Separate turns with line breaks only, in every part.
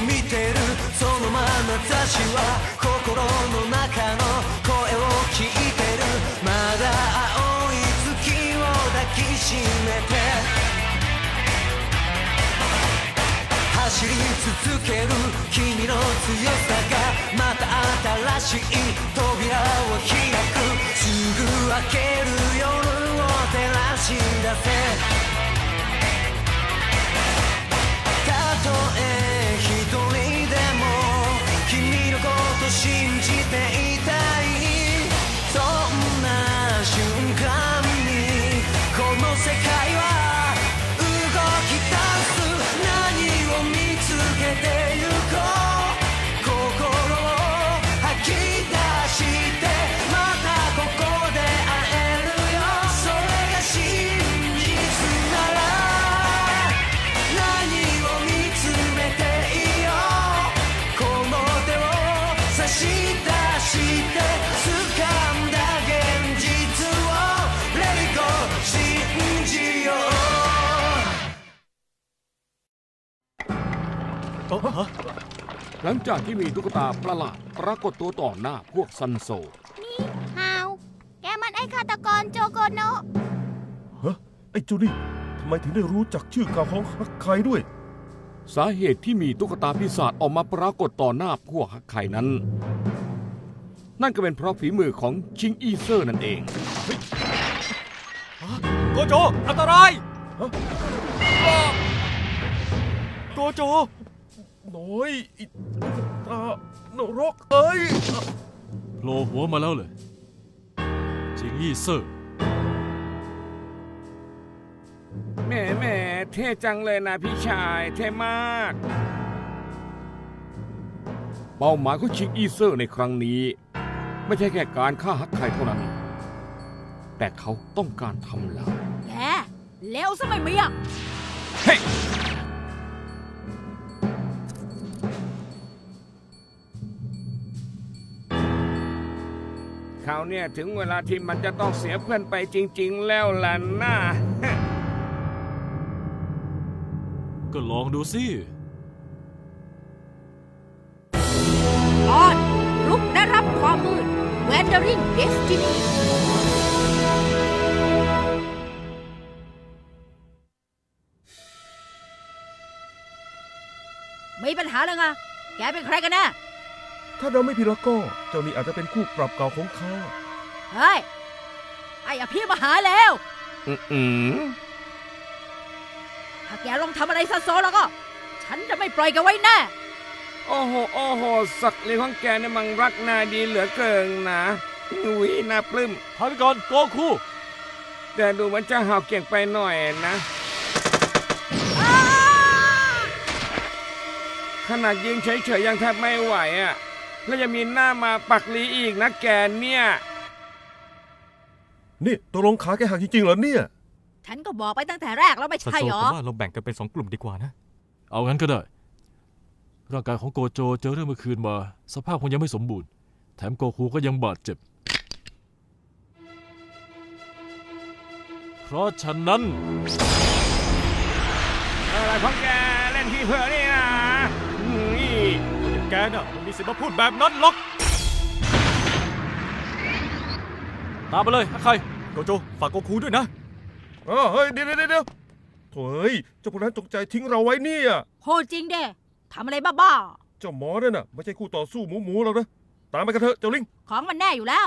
見てるその眼差しは心の中の声を聞いてるまだ青い月を抱きしめて走り続ける君の強さがまた新しい扉を開くすぐ明ける夜を照らし出せたとえ一人でも君のこと信じていたいそんな瞬間にこの世界は動き出す何を見つけてゆこう心を吐き出してまたここで会えるよそれが真実なら何を見つめていいよこの手を差し出して掴んだ現実を Let it go 信じよう
หลังจากที่มีตุ๊กตาประหลาดปรากฏตัวต่อหน้าพวกซันโซ
นี่ฮาวแกมันไอ้ฆาตกรโจโกโนะ
ฮะไอ้เจ้านี่ทำไมถึงได้รู้จักชื่อเก่าของฮักไคด้วย
สาเหตุที่มีตุ๊กตาปีศาจออกมาปรากฏต่อหน้าพวกฮักไคนั้นนั่นก็เป็นเพราะฝีมือของชิงอีเซอร์นั่นเอง
โกโจอันตรายโกโจ
น้อยอิตานรกเอ้ย
โผล่หัวมาแล้วเลยจิงอี้เซอร์
แหมเท่จังเลยนะพี่ชายเท่มากเป้าหมายของชิงอีเซอร์ในครั้งนี้ไม่ใช่แค่การฆ่าฮักไคเท่านั้นแต่เขาต้องการทำลาย
แกเลวซะไม่มีอ่ะ
เฮ้เขาเนี่ยถึงเวลาที่มันจะต้องเสียเพื่อนไปจริงๆแล้วล่ะนะ
ก็ลองดูสิ
ตอนรุกได้รับความมืด Wandering Destiny มีปัญหาเลยไงแกเป็นใครกันแน่
ถ้าเราไม่ผิดแล้วก็เจ้านี่อาจจะเป็นคู่ปรับเก่าของข้า
เฮ้ยไอ้อภิมาหาแล้วถ้าแกลองทำอะไรซะโซแล้วก็ฉันจะไม่ปล่อยแกไว้แน่
โอ้โหสักเลี้ยงของแกเนี่ยมันรักนายดีเหลือเกินนะอุ้ยน่าปลื้ม
พักก่อนโกคู
แต่ดูมันจะห่าวเก่งไปหน่อยนะขนาดยิงเฉยๆยังแทบไม่ไหวอ่ะแล้วยังมีหน้ามาปักลีอีกนะแกเนี่ย
นี่ตกลงขาแกหักจริงๆเหรอเนี่ย
ฉันก็บอกไปตั้งแต่แรกแล้วไม่ใช่หรอ
ว่าเราแบ่งกันเป็น2 กลุ่มดีกว่านะเอางั้นก็ได้ร่างกายของโกโจเจอเรื่องเมื่อคืนมาสภาพคงยังไม่สมบูรณ์แถมโกคูก็ยังบาดเจ็บเพราะฉะนั้น
อะไรของแกเล่นที่เพื่อนี่นะ
แกน่ะมันมีสิทธิ์มาพูดแบบนั้นหรอกตามไปเลยใครโกโจฝากโกคูด้วยนะ
เฮ้ยเดี๋ยวโถ่เจ้าพวกนั้นจงใจทิ้งเราไว้เนี่ย
โหจริงเด้ทำอะไรบ้า
ๆเจ้าหมอนั่นน่ะไม่ใช่คู่ต่อสู้หมูหรอกนะตามไปกันเถอะเจ้าลิง
ของมันแน่อยู่แล้ว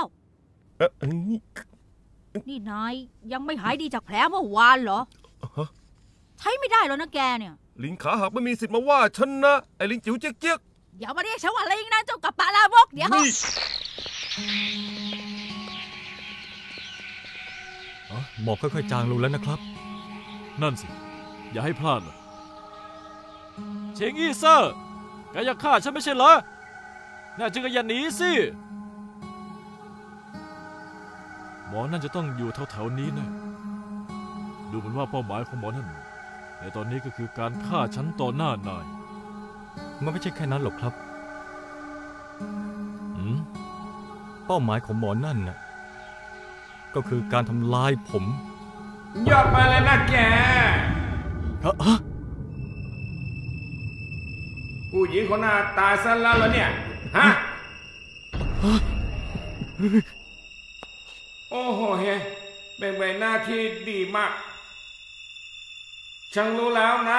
นี่
นี่นายยังไม่หายดีจากแผลเมื่อวานเหรอใช้ไม่ได้แล้วนะแกเนี่ย
ลิงขาหักไม่มีสิทธิ์มาว่าฉันนะไอ้ลิงจิ๋วเจ๊ก
อย่ามาเรียกฉันว่าลิงนะเจ้ากับปลาลาบกเดี๋ยว
หมอกค่อยๆจางลงแล้วนะครับนั่นสิอย่าให้พลาดเลยเชงอี้เซอร์แกอยากฆ่าฉันไม่ใช่เหรอน่าจึงอย่าหนีสิหมอนั่นจะต้องอยู่แถวๆนี้นะดูเหมือนว่าเป้าหมายของหมอนั่นในตอนนี้ก็คือการฆ่าฉันต่อหน้านายมันไม่ใช่แค่นั้นหรอกครับเป้าหมายของหมอนั่นน่ะก็คือการทำลายผม
ยอดไปเลยนะแกผู้หญิงคนหน้าตายซะแล้วเหรอเนี่ยฮะโอ้โหเฮ้เป็นใบหน้าที่ดีมากฉันรู้แล้วนะ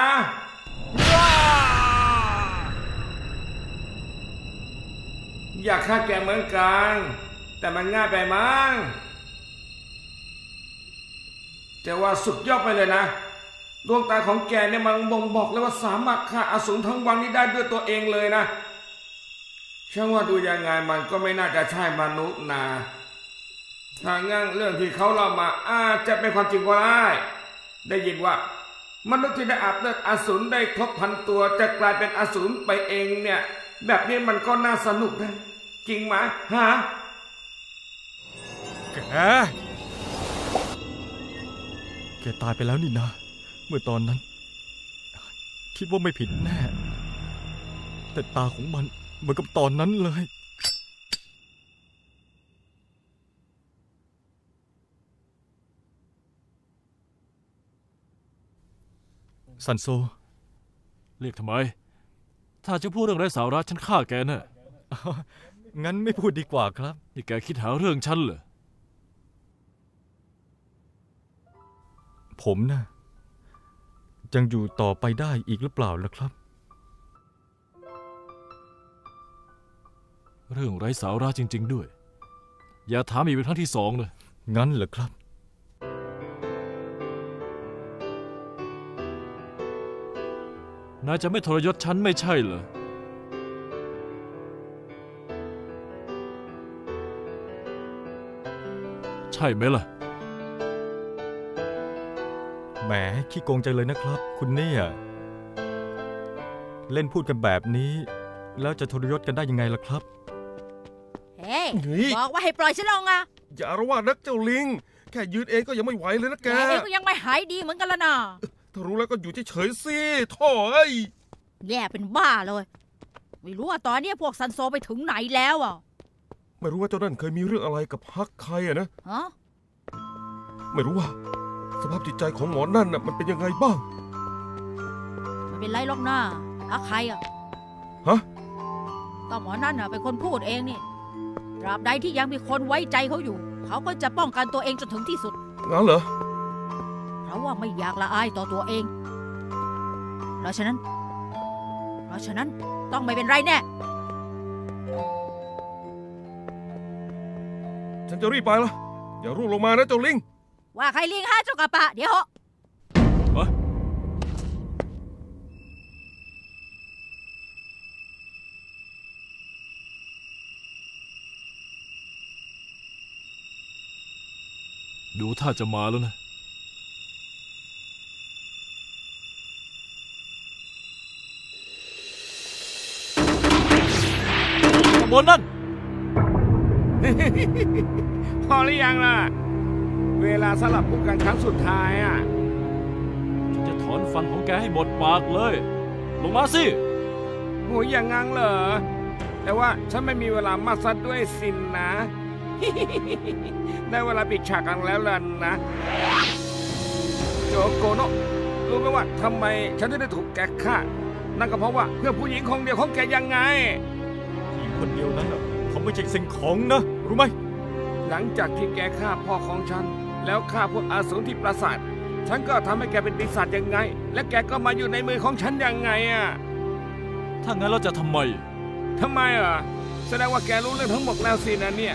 อยากฆ่าแกเหมือนกันแต่มันง่ายไปมั้งแต่ว่าสุดยอดไปเลยนะดวงตาของแกเนี่ยมันบ่งบอกเลยว่าสามารถฆ่าอสูรทั้งวังนี้ได้ด้วยตัวเองเลยนะฉันว่าดูยังไงมันก็ไม่น่าจะใช่มนุษย์นะถ้างั้นเรื่องที่เขาเล่ามาอาจจะเป็นความจริงก็ได้ยินว่ามนุษย์ที่ได้อาบเลือดอสูรได้ครบ1,000 ตัวจะกลายเป็นอสูรไปเองเนี่ยแบบนี้มันก็น่าสนุกนะจริงไหมฮะ
แกตายไปแล้วนี่นะเมื่อตอนนั้นคิดว่าไม่ผิดแน่แต่ตาของมันเหมือนกับตอนนั้นเลยซันโซ
เรียกทำไมถ้าจะพูดเรื่องไร้สาระฉันฆ่าแกแน่
งั้นไม่พูดดีกว่าครับ
นี่แกคิดหาเรื่องฉันเหรอ
ผมนะยังอยู่ต่อไปได้อีกหรือเปล่าล่ะครับ
เรื่องไร้สาระจริงๆด้วยอย่าถามอีกเป็นครั้งที่2เลย
งั้นเหรอครับ
นายจะไม่ทรยศฉันไม่ใช่เหรอใช่ไหมล่ะ
แหมขี้โกงใจเลยนะครับคุณเนี่ยเล่นพูดกันแบบนี้แล้วจะทรยศกันได้ยังไงล่ะครับ
เฮ้บอกว่าให้ปล่อยฉันลงอ่ะ
อย่าอาละวาดนักเจ้าลิงแค่ยืนเองก็ยังไม่ไหวเลยนะแก
เองก็ยังไม่หายดีเหมือนกันละนะ
ถ้ารู้แล้วก็อยู่เฉยๆสิโถ่
แย่เป็นบ้าเลยไม่รู้ว่าตอนนี้พวกซันโซไปถึงไหนแล้วอ่ะ
ไม่รู้ว่าเจ้านั่นเคยมีเรื่องอะไรกับฮักใครอะนะไม่รู้ว่าสภาพจิตใจของหมอนั่นน่ะมันเป็นยังไงบ้าง
ไม่เป็นไรหรอกนะฮักใครอ่ะ
ฮะ
ก็หมอนั่นน่ะเป็นคนพูดเองนี่ตราบใดที่ยังมีคนไว้ใจเขาอยู่เขาก็จะป้องกันตัวเองจนถึงที่สุด
งั้นเหรอ
เพราะว่าไม่อยากละอายต่อตัวเองเพราะฉะนั้นต้องไม่เป็นไรแน่
ฉันจะรีบไปละอย่าร่วงลงมานะเจ้าลิง
ว่าใครลิงฮะเจ้ากระปะเดี๋ยว
ดูท่าจะมาแล้วนะบนนั่น
พอหรือยังล่ะเวลาสลับคู่กันครั้งสุดท้ายอ่ะ
ฉันจะถอนฟันของแกให้หมดปากเลยลงมาสิ
โหอย่างงั้นเหรอแต่ว่าฉันไม่มีเวลามากสักด้วยสินนะได้เวลาปิดฉากกันแล้วล่ะนะโจโกโนะรู้ไหมว่าทำไมฉันได้ถูกแกฆ่านั่นก็เพราะว่าเพื่อผู้หญิงคนเดียวของแกยังไง
ผู้หญิงคนเดียวนั้นเขาไม่ใช่สิ่งของนะรู้ไหม
หลังจากที่แกฆ่าพ่อของฉันแล้วฆ่าพวกอสูรที่ปราสาทฉันก็ทำให้แกเป็นปีศาจยังไงและแกก็มาอยู่ในมือของฉันยังไงอ่ะ
ถ้างั้นเราจะทำไม
อ่ะแสดงว่าแกรู้เรื่องทั้งหมดแล้วสินะเนี่ย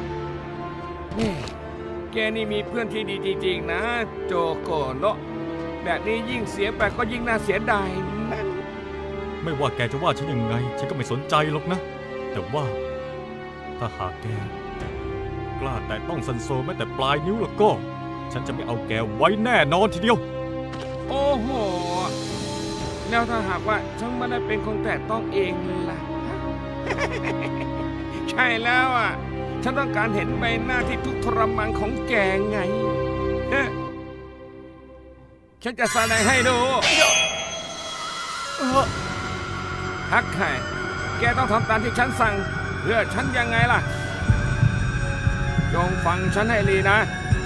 แกนี่มีเพื่อนที่ดีจริงๆนะโจโกโนะแบบนี้ยิ่งเสียไปก็ยิ่งน่าเสียดายนั่น
ไม่ว่าแกจะว่าฉันยังไงฉันก็ไม่สนใจหรอกนะแต่ว่าถ้าหากแกกล้าแต่ต้องซันโซแม้แต่ปลายนิ้วแล้วก็ฉันจะไม่เอาแกไว้แน่นอนทีเดียว
โอ้โหแล้วถ้าหากว่าฉันไม่ได้เป็นคนแต่ต้องเองล่ะ ใช่แล้วอ่ะฉันต้องการเห็นใบหน้าที่ทุกข์ทรมานของแกไงฉันจะแสดงให้ดูฮักไข่แกต้องทำตามที่ฉันสั่งเพื่อฉันยังไงล่ะจงฟังฉันให้ดีนะ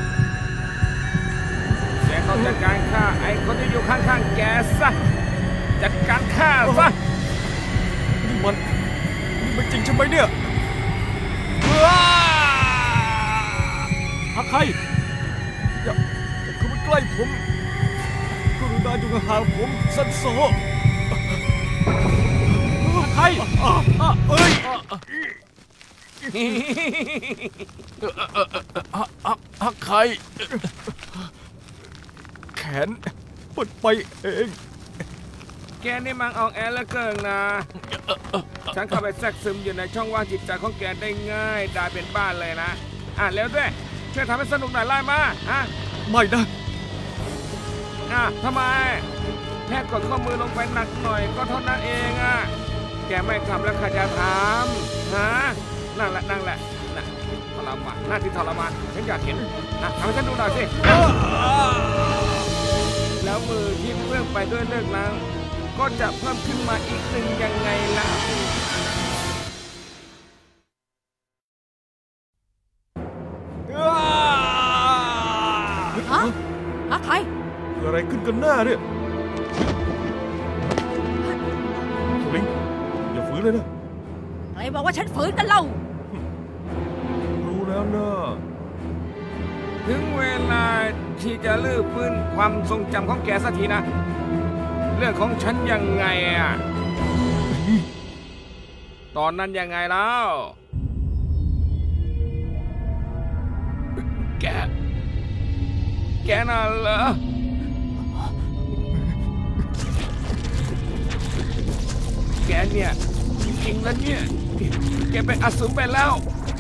แกต้องจัดการฆ่าไอ้คนที่อยู่ข้างๆแกซะจัดการฆ่าซะ
มันจริงใช่ไหมเนี่ยฮักใครอย่าเข้ามาใกล้ผมกรุณาอยู่ห่างผมซันโซฮักใครเอ้ยฮักใครแขนปวดไปเอง
แกนี่มันออกแอร์แล้วเกินนะฉันเข้าไปแทรกซึมอยู่ในช่องว่างจิตใจของแกได้ง่ายได้เป็นบ้านเลยนะเร็วด้วยช่วยทำให้สนุกหน่อยไล่มา
ไม่นะ
ทำไมแค่กดข้อมือลงไปหนักหน่อยก็เท่านั้นเองแกไม่ทำแล้วใครจะทำนั่งแหละทรมานหน้าที่ทรมานฉันอยากเห็นทำให้ฉันดูหน่อยสิแล้วมือที่เปื้อนไปด้วยเลือดล้างก็จะเพิ่มขึ้นมาอีกหนึ่งยังไงล่ะ
ฮะใคร
เกิดอะไรขึ้นกันหน้าเนี่ยลิงอย่าฝืนเลยนะ
ใครบอกว่าฉันฝืนกันเล่า
รู้แล้วนะ
ถึงเวลาที่จะลื้อฟื้นความทรงจำของแกสักทีนะเรื่องของฉันยังไงตอนนั้นยังไงแล้วแกน่ะเหรอแกเนี่ยจริงๆแล้วเนี่ยแกเป็นอสูรไปแล้ว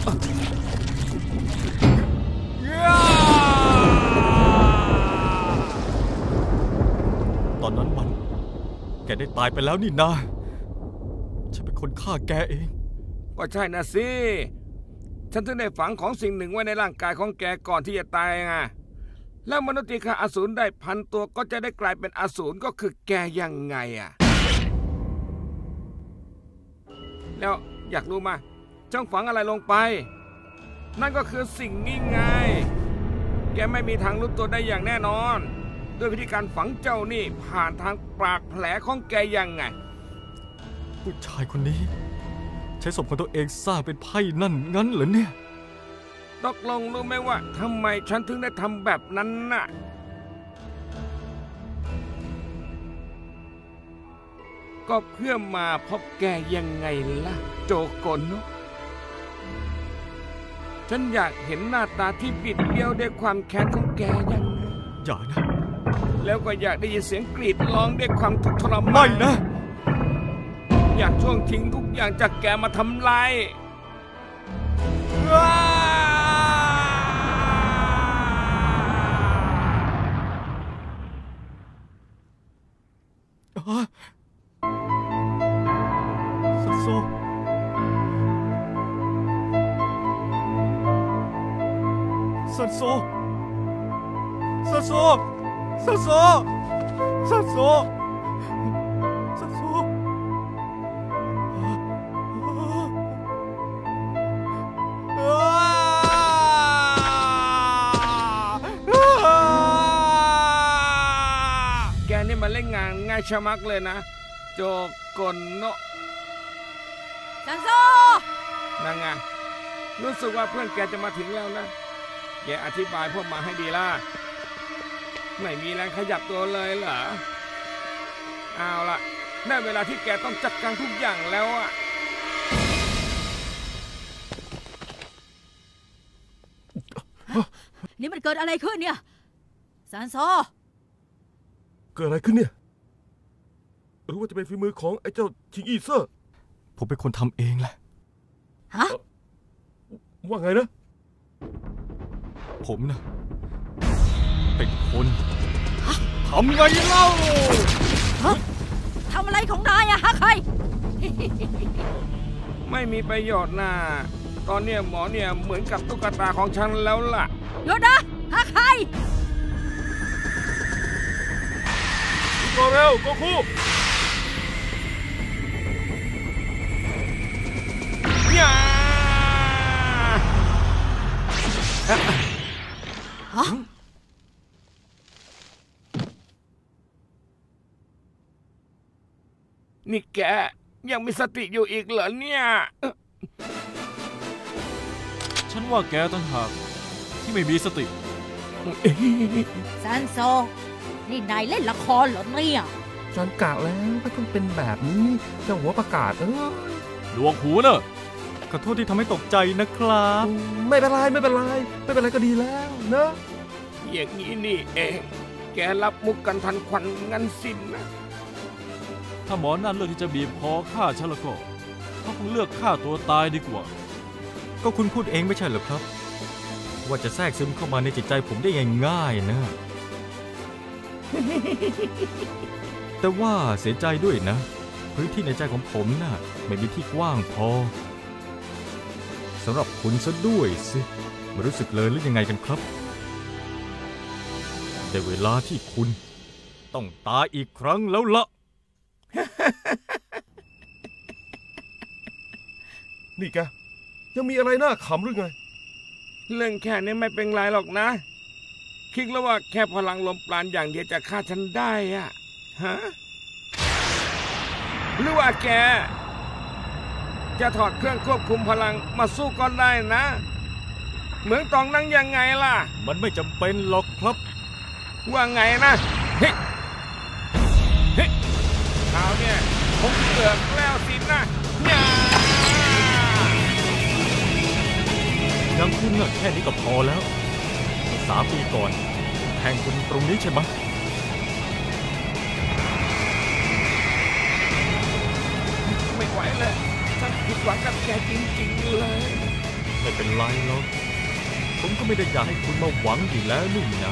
ตอนนั้นแกได้ตายไปแล้วนี่นาฉันเป็นคนฆ่าแกเอง
ก็ใช่นะสิฉันถึงได้ฝังของสิ่งหนึ่งไว้ในร่างกายของแกก่อนที่จะตายไงแล้วมนุษย์ที่ฆ่าอสูรได้1,000 ตัวก็จะได้กลายเป็นอสูรก็คือแกยังไงแล้วอยากรู้มาจ้องฝังอะไรลงไปนั่นก็คือสิ่งนี้ไงแกไม่มีทางรู้ตัวได้อย่างแน่นอนด้วยวิธีการฝังเจ้านี่ผ่านทางปากแผลของแกยังไง
ผู้ชายคนนี้ใช้ศพของตัวเองสร้างเป็นไพ่นั่นงั้นเหรอเนี่ย
ตกลงรู้ไหมว่าทำไมฉันถึงได้ทำแบบนั้นน่ะก็เพื่อมาพบแกยังไงล่ะโจโกนเนาะฉันอยากเห็นหน้าตาที่บิดเบี้ยวด้วยความแค้นของแกยังไง
อย่านะ
แล้วก็อยากได้ยินเสียงกรีดร้องด้วยความทุกข์ทรมาน
ไม่นะ
อยากช่วงทิ้งทุกอย่างจากแกมาทำลาย
ซันโซซันโซซันโซซันโซซันโซซันโซ
แกนี่มาเล่นงานง่ายชะมักเลยนะโจโกนโนะ
ซันโซ
นั่งไงรู้สึกว่าเพื่อนแกจะมาถึงแล้วนะแกอธิบายพวกมาให้ดีล่ะไม่มีแรงขยับตัวเลยเหรอเอาล่ะได้เวลาที่แกต้องจัดการทุกอย่างแล้ว
นี่มันเกิดอะไรขึ้นเนี่ยซันโซ
เกิดอะไรขึ้นเนี่ยรู้ว่าจะเป็นฝีมือของไอ้เจ้าชิงอีเซอร์
ผมเป็นคนทำเองแหละ
ฮะ
ว่าไงนะ
ผมนะเป็นคนทำไงเล่า
ทำอะไรของนายฮะใคร
ไม่มีประโยชน์นะตอนนี้หมอเนี่ยเหมือนกับตุ๊กตาของฉันแล้วล่ะ
หยุดนะฮะใคร
ก็เร็วก็คู่
นี่แกยังมีสติอยู่อีกเหรอเนี่ย
ฉันว่าแกต่างหากที่ไม่มีสติ
ซันโซ นี่นายเล่นละครเหรอเนี่ย
ฉันกะแล้วก็ต้องเป็นแบบนี้เจ้าหัวประกาศ
หลวงหูเนอะ
ขอโทษที่ทำให้ตกใจนะครับ
ไม่เป็นไรก็ดีแล้วเนอะ
อย่างนี้นี่เอง แกรับมุกกันทันควันงั้นสินนะ
ถ้าหมอนั่นเลือกที่จะบีบคอฆ่าฉันแล้วก็เขาคงเลือกฆ่าตัวตายดีกว่า
ก็คุณพูดเองไม่ใช่เหรอครับ ว่าจะแทรกซึมเข้ามาในจิตใจผมได้ง่ายๆนะ แต่ว่าเสียใจด้วยนะ พื้นที่ในใจของผมน่ะไม่มีที่กว้างพอสำหรับคุณซะด้วยสิไม่รู้สึกเลยหรือยังไงกันครับได้เวลาที่คุณต้องตายอีกครั้งแล้วละ
นี่แกยังมีอะไรน่าขำหรือไง
เรื่องแค่นี้ไม่เป็นไรหรอกนะ คิดแล้วว่าแค่พลังลมปราณอย่างเดียวจะฆ่าฉันได้อะฮะหรือว่าแกจะถอดเครื่องควบคุมพลังมาสู้ก็ได้นะ เหมืองตองนั่งยังไงล่ะ
มันไม่จำเป็นหรอกครับ
ว่าไงนะเฮ้ยเฮ้ยข่าวเนี่ยผมเกือบแล้วสินะย่า
ยังคุณน่ะแค่นี้ก็พอแล้ว3 ปีก่อนแทงคุณตรงนี้ใช่ไหม
ไม่ไหวเลยฉันผิดหวังกับแกจริงๆเลย
ไม่เป็นไรหรอกผมก็ไม่ได้อยากให้คุณมาหวังอยู่แล้วนี่นะ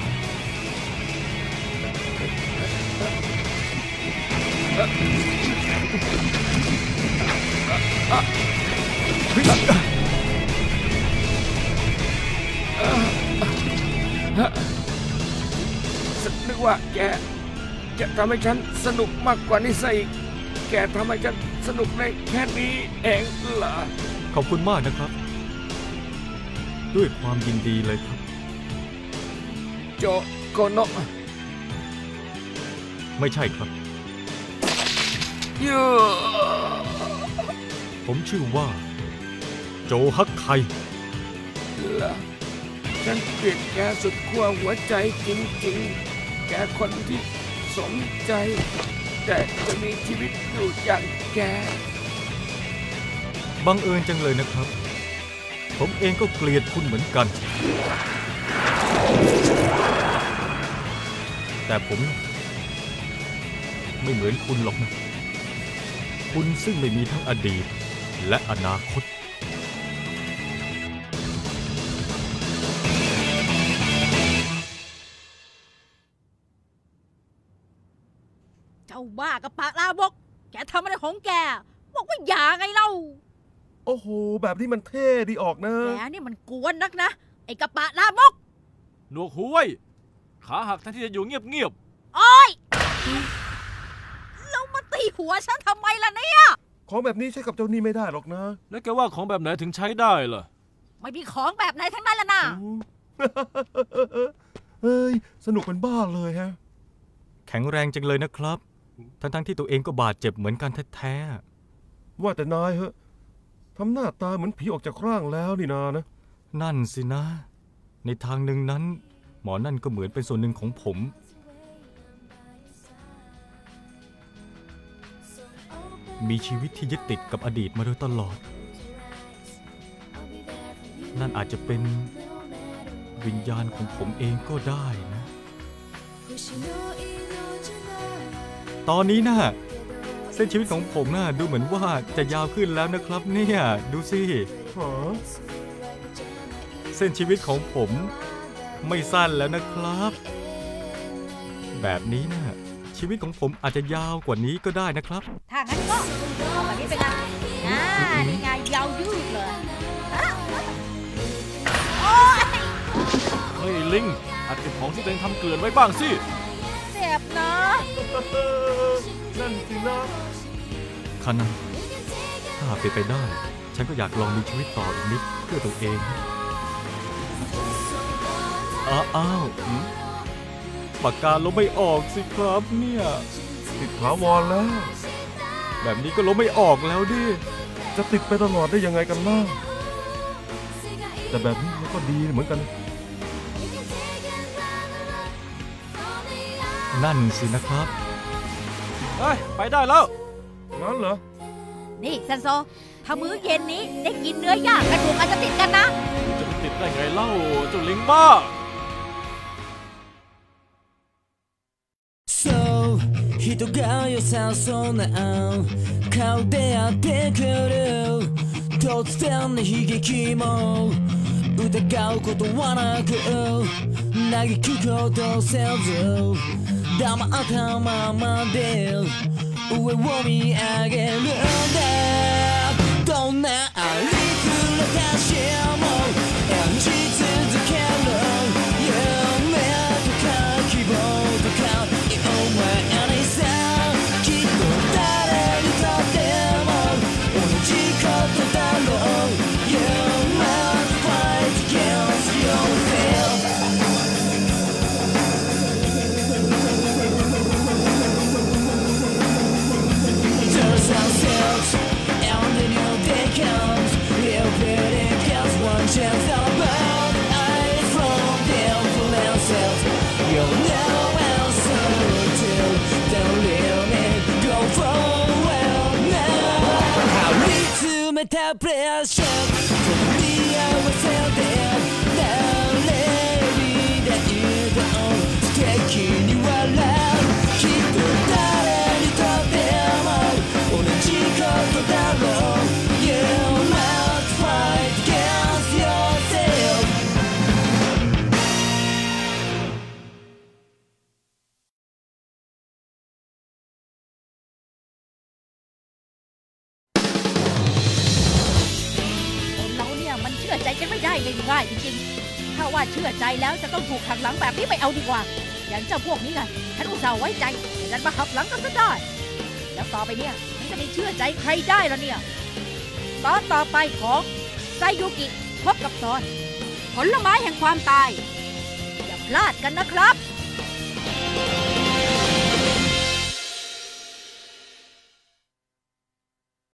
นึกว่าแกจะทำให้ฉันสนุกมากกว่านี้ซะอีกแกทำให้ฉันสนุกในแค่นี้เองเหรอ
ขอบคุณมากนะครับ ด้วยความยินดีเลยครับ
โจโกโนะ
ไม่ใช่ครับ
ยู
ผมชื่อว่าโจฮักไค
เหรอฉันเกลียดแกสุดขั้วหัวใจจริงๆแกคนที่สมใจแต่จะมีชีวิตอยู่อย่างแก
บังเอิญจังเลยนะครับ ผมเองก็เกลียดคุณเหมือนกัน แต่ผมไม่เหมือนคุณหรอกนะ คุณซึ่งไม่มีทั้งอดีตและอนาคต
เจ้าบ้ากับปากลาบก แกทำอะไรของแก บอกว่าอย่าไงเล่า
โอ้โหแบบนี้มันเท่ดีออกนะ
แกนี่มันกวนนักนะ ไอ้กระปะลามก
หนวกหูไว้ขาหักแทนที่จะอยู่เงียบ
โอ๊ยแล้วมาตีหัวฉันทำไมล่ะเนี่ย
ของแบบนี้ใช้กับเจ้านี่ไม่ได้หรอกนะ
ๆแล้วแกว่าของแบบไหนถึงใช้ได้ล่ะ
ไม่มีของแบบไหนทั้งนั้นละนะ
เฮ้ยสนุกเป็นบ้าเลยฮะ
แข็งแรงจังเลยนะครับ ทั้งที่ตัวเองก็บาดเจ็บเหมือนกันแท้ๆ
ว่าแต่นายเหอะทำหน้าตาเหมือนผีออกจากร่างแล้วนี่นานะ
นั่นสินะ ในทางหนึ่งนั้น หมอนั่นก็เหมือนเป็นส่วนหนึ่งของผม มีชีวิตที่ยึดติดกับอดีตมาโดยตลอด นั่นอาจจะเป็นวิญญาณของผมเองก็ได้นะ ตอนนี้นะเส้นชีวิตของผมน่ะดูเหมือนว่าจะยาวขึ้นแล้วนะครับเนี่ยดูสิเส้นชีวิตของผมไม่สั้นแล้วนะครับ แบบนี้นะชีวิตของผมอาจจะยาวกว่านี้ก็ได้นะครับ
ถ้างั้นก็เอาแบบนี้ไปเลยนี่ไงยาวยืดเลยโอ๊ย
เฮ้ยลิงอาจเก็บของที่ตัวเองทำเกลื่อนไว้บ้างสิ
เจ็บนะ
นั่นสินะ
คานันถ้าเป็นไปได้ ฉันก็อยากลองมีชีวิตต่ออีกนิดเพื่อตัวเองอ้าวปากกาลบไม่ออกสิครับเนี่ย
ติดถาวรแล้ว
แบบนี้ก็ล้มไม่ออกแล้วดิ
จะติดไปตลอดได้ยังไงกันล่ะแต่แบบนี้มันก็ดีเหมือนกัน
นั่นสินะครับ
เฮ้ย ไปได้แล้ว
งั้นเหรอ
นี่ซันโซ ถ้ามื้อเย็นนี้ได้กินเนื้อย่างกระดูกอาจจะติดกันนะ
จะไปติดได้ไงเล่าเจ้าลิงบ้า
そう人が良さそうな顔でやってくる突然の悲劇も疑うことはなく嘆くことせず黙ったままで上を見上げるんだどんなありふれたしも演じ続ける夢とか希望とか夢にさきっと誰にとっても同じことだろう You must fight against yourself There's ourselves and the new day comes We'll put in just one chance all about eyes from them for themselves You'll know answer to the limit Go forward now 張り詰めたプレッシャー取り合わせて誰にだいと素敵に笑うきっと誰にとっても同じことだろう You must fight against yourself
คนเราเนี่ยมันเชื่อใจกันไม่ได้ง่ายๆจริงๆ ถ้าว่าเชื่อใจแล้วจะต้องถูกหักหลังแบบนี้ไม่เอาดีกว่า อย่างเจ้าพวกนี้ไงฉันอุตส่าห์ไว้ใจแต่ดันมาหักหลังกันซะได้ แล้วต่อไปเนี่ยฉันจะไม่เชื่อใจใครได้แล้วเนี่ย ตอนต่อไปของไซยุกิพบกับตอนผลไม้แห่งความตาย อย่าพลาดกันนะครับ